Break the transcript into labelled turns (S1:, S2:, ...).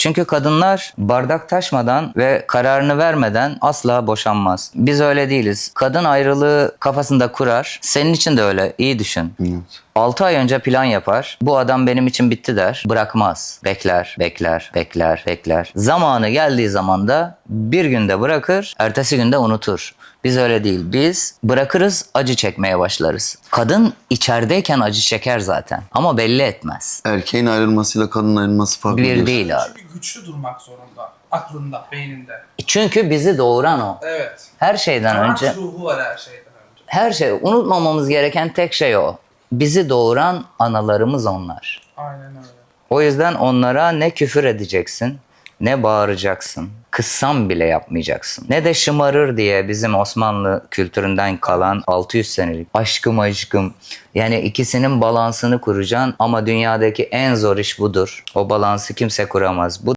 S1: Çünkü kadınlar bardak taşmadan ve kararını vermeden asla boşanmaz. Biz öyle değiliz. Kadın ayrılığı kafasında kurar. Senin için de öyle. İyi düşün.
S2: Evet.
S1: 6 ay önce plan yapar. Bu adam benim için bitti der. Bırakmaz. Bekler, bekler, bekler, bekler. Zamanı geldiği zaman da bir günde bırakır, ertesi günde unutur. Biz öyle değil. Biz bırakırız, acı çekmeye başlarız. Kadın içerideyken acı çeker zaten. Ama belli etmez.
S2: Erkeğin ayrılmasıyla kadının ayrılması farklı
S1: Bir
S2: diyorsun.
S1: değil abi.
S3: Çünkü güçlü durmak zorunda. Aklında, beyninde.
S1: Çünkü bizi doğuran o.
S3: Evet.
S1: Her şeyden
S3: Savaş
S1: önce,
S3: ruhu var her şeyden önce.
S1: her şey, unutmamamız gereken tek şey o. Bizi doğuran analarımız onlar.
S3: Aynen öyle.
S1: O yüzden onlara ne küfür edeceksin, ne bağıracaksın. Kızsan bile yapmayacaksın. Ne de şımarır diye bizim Osmanlı kültüründen kalan 600 senelik aşkım aşkım. Yani ikisinin balansını kuracaksın ama dünyadaki en zor iş budur. O balansı kimse kuramaz. Bu